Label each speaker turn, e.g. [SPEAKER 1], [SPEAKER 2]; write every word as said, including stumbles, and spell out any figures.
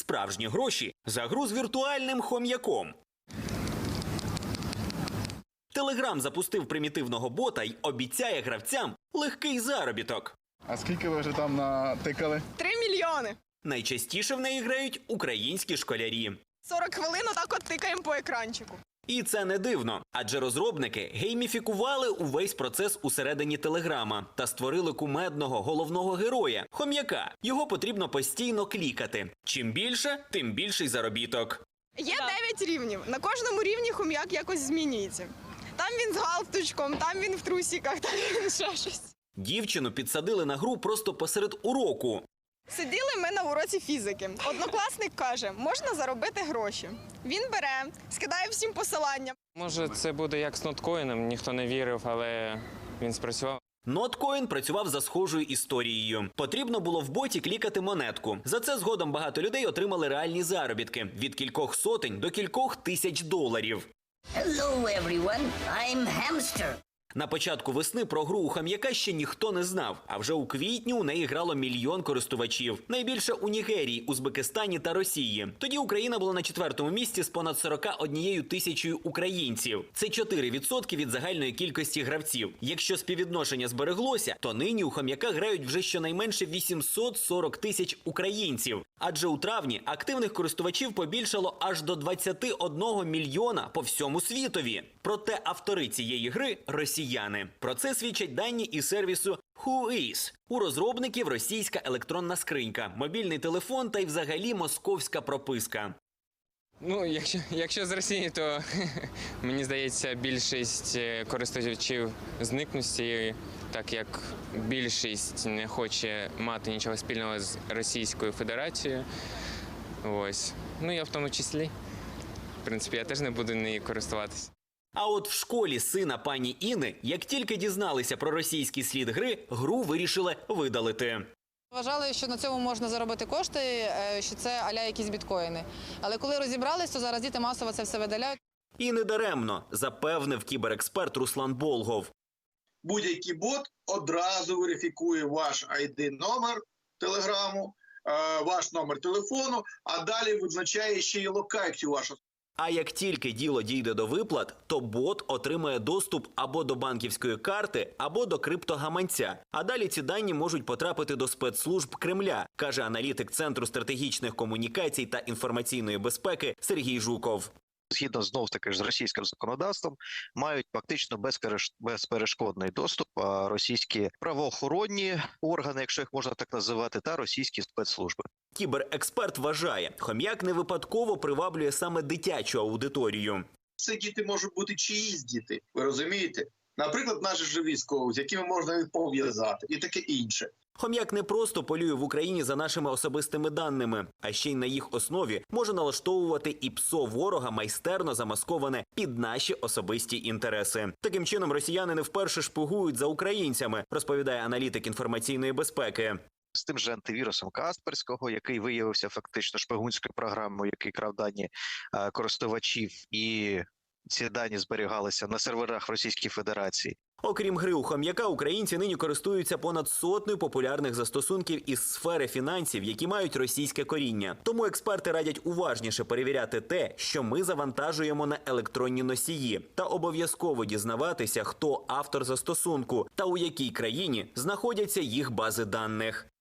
[SPEAKER 1] справжні гроші за гру з віртуальним хом'яком. Телеграм запустив примітивного бота й обіцяє гравцям легкий заробіток.
[SPEAKER 2] А скільки ви вже там натикали?
[SPEAKER 3] Три мільйони.
[SPEAKER 1] Найчастіше в неї грають українські школярі.
[SPEAKER 3] сорок хвилин отак от тикаємо по екранчику.
[SPEAKER 1] І це не дивно, адже розробники гейміфікували увесь процес усередині Телеграма та створили кумедного головного героя – хом'яка. Його потрібно постійно клікати. Чим більше, тим більший заробіток.
[SPEAKER 3] Є дев'ять рівнів. На кожному рівні хом'як якось змінюється. Там він з галстучком, там він в трусиках, там він ще щось.
[SPEAKER 1] Дівчину підсадили на гру просто посеред уроку.
[SPEAKER 3] Сиділи ми на уроці фізики. Однокласник каже, можна заробити гроші. Він бере, скидає всім посилання.
[SPEAKER 4] Може, це буде як з ноткоїном, ніхто не вірив, але він спрацював.
[SPEAKER 1] Ноткоін працював за схожою історією. Потрібно було в боті клікати монетку. За це згодом багато людей отримали реальні заробітки – від кількох сотень до кількох тисяч доларів.
[SPEAKER 5] Hello, everyone. I'm Hamster.
[SPEAKER 1] На початку весни про гру у хом'яка ще ніхто не знав, а вже у квітні у неї грало мільйон користувачів. Найбільше у Нігерії, Узбекистані та Росії. Тоді Україна була на четвертому місці з понад сорока однією тисячою українців. Це чотири відсотки від загальної кількості гравців. Якщо співвідношення збереглося, то нині у хом'яка грають вже щонайменше вісімсот сорок тисяч українців. Адже у травні активних користувачів побільшало аж до двадцяти одного мільйона по всьому світові. Проте автори цієї гри – росіяни. Про це свідчать дані із сервісу Whois. У розробників російська електронна скринька, мобільний телефон та й взагалі московська прописка.
[SPEAKER 4] Ну, якщо, якщо з Росії, то мені здається, більшість користувачів зникнуть з цієї, так як більшість не хоче мати нічого спільного з Російською Федерацією. Ось. Ну, я в тому числі. В принципі, я теж не буду нею користуватися.
[SPEAKER 1] А от в школі сина пані Іни, як тільки дізналися про російський слід гри, гру вирішили видалити.
[SPEAKER 6] Вважали, що на цьому можна заробити кошти, що це а-ля якісь біткоїни. Але коли розібрались, то зараз діти масово це все видаляють.
[SPEAKER 1] І не даремно, запевнив кіберексперт Руслан Болгов.
[SPEAKER 7] Будь-який бот одразу верифікує ваш ай ді-номер телеграму, ваш номер телефону, а далі визначає ще й локацію вашу.
[SPEAKER 1] А як тільки діло дійде до виплат, то бот отримає доступ або до банківської карти, або до криптогаманця. А далі ці дані можуть потрапити до спецслужб Кремля, каже аналітик Центру стратегічних комунікацій та інформаційної безпеки Сергій Жуков.
[SPEAKER 8] Згідно знов-таки ж з російським законодавством, мають фактично безперешкодний доступ російські правоохоронні органи, якщо їх можна так називати, та російські спецслужби.
[SPEAKER 1] Кіберексперт вважає, хом'як не випадково приваблює саме дитячу аудиторію.
[SPEAKER 7] Це діти можуть бути чиїсь діти, ви розумієте? Наприклад, наші ж військові, з якими можна пов'язати, і таке інше.
[SPEAKER 1] Хом'як не просто полює в Україні за нашими особистими даними, а ще й на їх основі може налаштовувати і ПСО ворога майстерно замасковане під наші особисті інтереси. Таким чином, росіяни не вперше шпигують за українцями, розповідає аналітик інформаційної безпеки.
[SPEAKER 8] З тим же антивірусом Касперського, який виявився фактично шпигунською програмою, який крав дані користувачів, і ці дані зберігалися на серверах Російської Федерації.
[SPEAKER 1] Окрім гри у хом'яка, українці нині користуються понад сотнею популярних застосунків із сфери фінансів, які мають російське коріння. Тому експерти радять уважніше перевіряти те, що ми завантажуємо на електронні носії, та обов'язково дізнаватися, хто автор застосунку та у якій країні знаходяться їх бази даних.